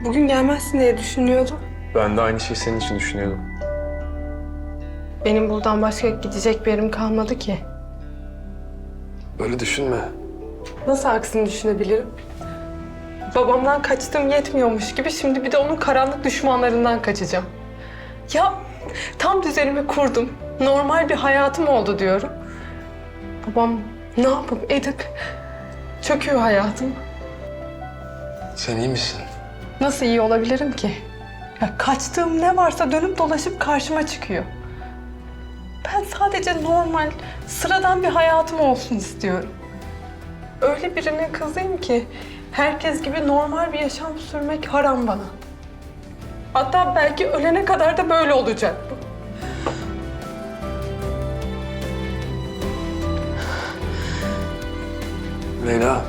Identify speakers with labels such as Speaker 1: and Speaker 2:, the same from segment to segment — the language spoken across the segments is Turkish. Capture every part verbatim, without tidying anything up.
Speaker 1: Bugün gelmezsin diye düşünüyordum.
Speaker 2: Ben de aynı şeyi senin için düşünüyordum.
Speaker 1: Benim buradan başka gidecek bir yerim kalmadı ki.
Speaker 2: Böyle düşünme.
Speaker 1: Nasıl aksini düşünebilirim? Babamdan kaçtığım yetmiyormuş gibi şimdi bir de onun karanlık düşmanlarından kaçacağım. Ya tam düzenimi kurdum. Normal bir hayatım oldu diyorum. Babam ne yapıp edip çöküyor hayatım.
Speaker 2: Sen iyi misin?
Speaker 1: Nasıl iyi olabilirim ki? Ya kaçtığım ne varsa dönüp dolaşıp karşıma çıkıyor. Ben sadece normal, sıradan bir hayatım olsun istiyorum. Öyle birine kızayım ki herkes gibi normal bir yaşam sürmek haram bana. Hatta belki ölene kadar da böyle olacak bu.
Speaker 2: Leyla.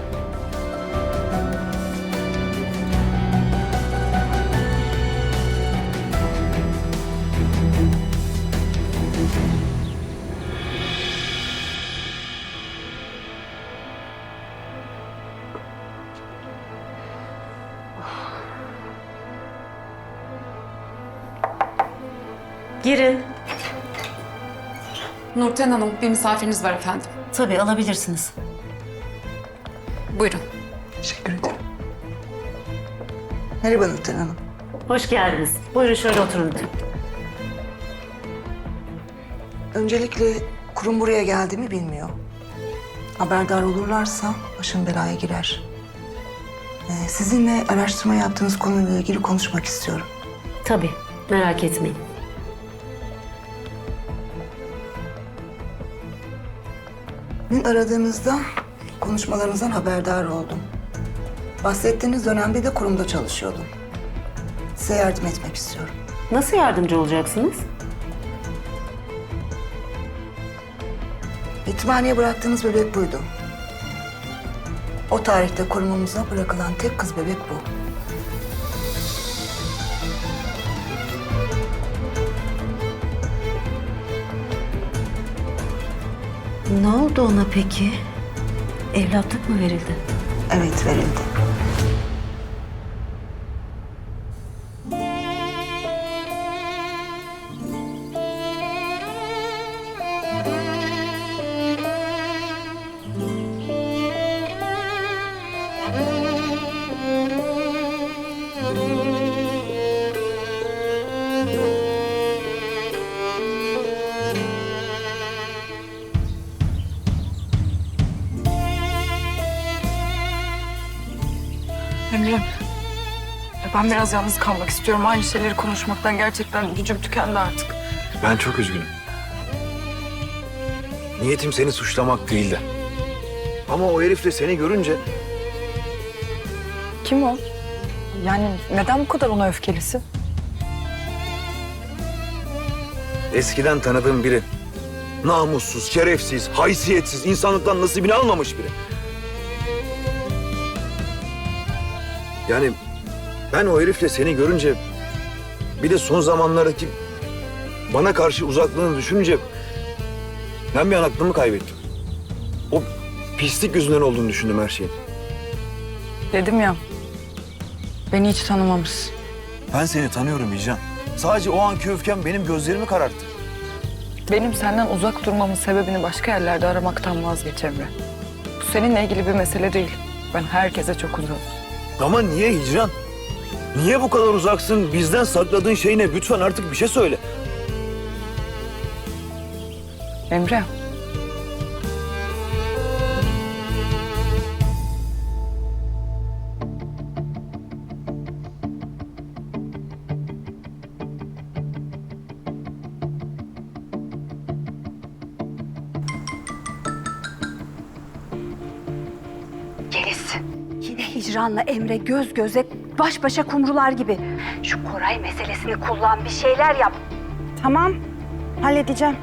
Speaker 3: Girin.
Speaker 4: Nurten Hanım, bir misafiriniz var efendim.
Speaker 3: Tabii alabilirsiniz.
Speaker 4: Buyurun.
Speaker 5: Teşekkür ederim. Merhaba Nurten Hanım.
Speaker 3: Hoş geldiniz. Buyurun şöyle oturun lütfen.
Speaker 5: Öncelikle kurum buraya geldiğimi bilmiyor. Haberdar olurlarsa başım belaya girer. Ee, sizinle araştırma yaptığınız konuyla ilgili konuşmak istiyorum.
Speaker 3: Tabii, merak etmeyin.
Speaker 5: Dün aradığınızda konuşmalarınızdan haberdar oldum. Bahsettiğiniz dönemde de kurumda çalışıyordum. Size yardım etmek istiyorum.
Speaker 3: Nasıl yardımcı olacaksınız?
Speaker 5: Yetimhaneye bıraktığınız bebek buydu. O tarihte kurumumuza bırakılan tek kız bebek bu.
Speaker 3: Ne oldu ona peki? Evlatlık mı verildi?
Speaker 5: Evet, verildi.
Speaker 6: Emre, ben biraz yalnız kalmak istiyorum. Aynı şeyleri konuşmaktan gerçekten gücüm tükendi artık.
Speaker 7: Ben çok üzgünüm. Niyetim seni suçlamak değildi. Ama o herifle seni görünce
Speaker 6: Kim o? Yani neden bu kadar ona öfkelisin?
Speaker 7: eskiden tanıdığım biri. Namussuz, şerefsiz, haysiyetsiz, insanlıktan nasibini almamış biri. Yani ben o herifle seni görünce, bir de son zamanlardaki bana karşı uzaklığını düşününce ben bir an aklımı kaybettim. O pislik yüzünden olduğunu düşündüm her şeyin.
Speaker 6: Dedim ya, beni hiç tanımamışsın.
Speaker 7: Ben seni tanıyorum Hicran. Sadece o anki öfkem benim gözlerimi kararttı.
Speaker 6: Benim senden uzak durmamın sebebini başka yerlerde aramaktan vazgeç Emre. Bu seninle ilgili bir mesele değil. Ben herkese çok uzağım.
Speaker 7: Ama niye Hicran? Niye bu kadar uzaksın? Bizden sakladığın şey ne? Lütfen artık bir şey söyle.
Speaker 6: Emre.
Speaker 8: Yeliz. Yine Hicran'la Emre göz göze, baş başa kumrular gibi. Şu Koray meselesini kullan, bir şeyler yap. Tamam, halledeceğim.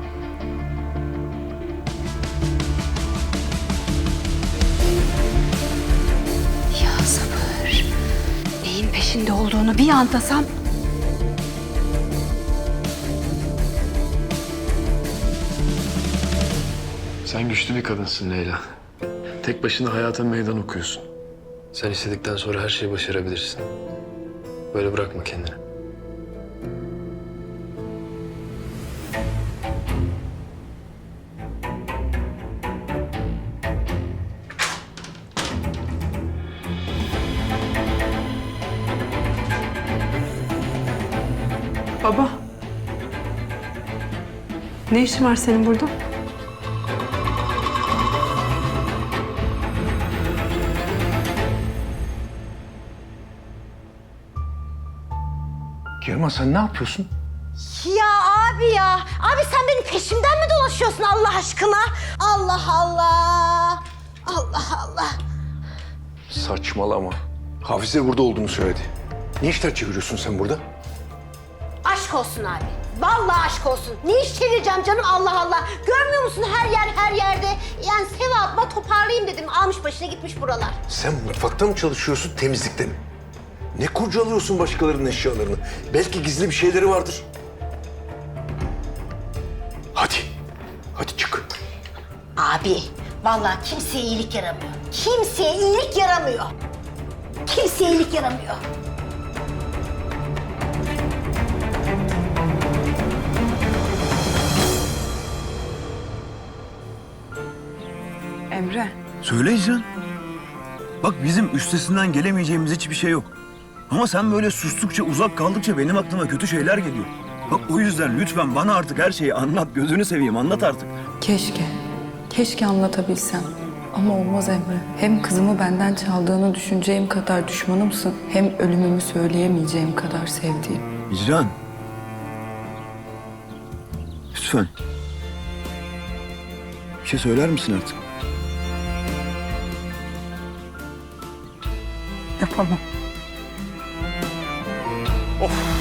Speaker 8: Ya sabır. Neyin peşinde olduğunu bir anlasam.
Speaker 2: Sen güçlü bir kadınsın Leyla. Tek başına hayata meydan okuyorsun. Sen istedikten sonra her şeyi başarabilirsin. Böyle bırakma kendini.
Speaker 1: Baba. Ne işin var senin burada?
Speaker 7: Kirman sen ne yapıyorsun?
Speaker 3: Ya abi ya. Abi sen benim peşimden mi dolaşıyorsun Allah aşkına? Allah Allah. Allah Allah.
Speaker 7: Saçmalama. Hafize burada olduğunu söyledi. Ne işler çeviriyorsun sen burada?
Speaker 3: Aşk olsun abi. Vallahi aşk olsun. Ne iş çevireceğim canım Allah Allah. Görmüyor musun her yer her yerde. Yani sevapma toparlayayım dedim. Almış başına gitmiş buralar.
Speaker 7: Sen mutfakta mı çalışıyorsun, temizlikte mi? Ne kurcalıyorsun başkalarının eşyalarını? Belki gizli bir şeyleri vardır. Hadi. Hadi çık.
Speaker 3: Abi vallahi kimseye iyilik yaramıyor. Kimseye iyilik yaramıyor. Kimseye iyilik yaramıyor.
Speaker 6: Emre.
Speaker 7: Söyle İzcan. Bak bizim üstesinden gelemeyeceğimiz hiçbir şey yok. Ama sen böyle sustukça, uzak kaldıkça benim aklıma kötü şeyler geliyor. Bak o yüzden lütfen bana artık her şeyi anlat. Gözünü seveyim anlat artık.
Speaker 6: Keşke. Keşke anlatabilsem. Ama olmaz Emre. Hem kızımı benden çaldığını düşüneceğim kadar düşmanımsın. Hem ölümümü söyleyemeyeceğim kadar sevdiğim.
Speaker 7: İcran. Lütfen. Bir şey söyler misin artık?
Speaker 6: Yapamam.
Speaker 7: Of.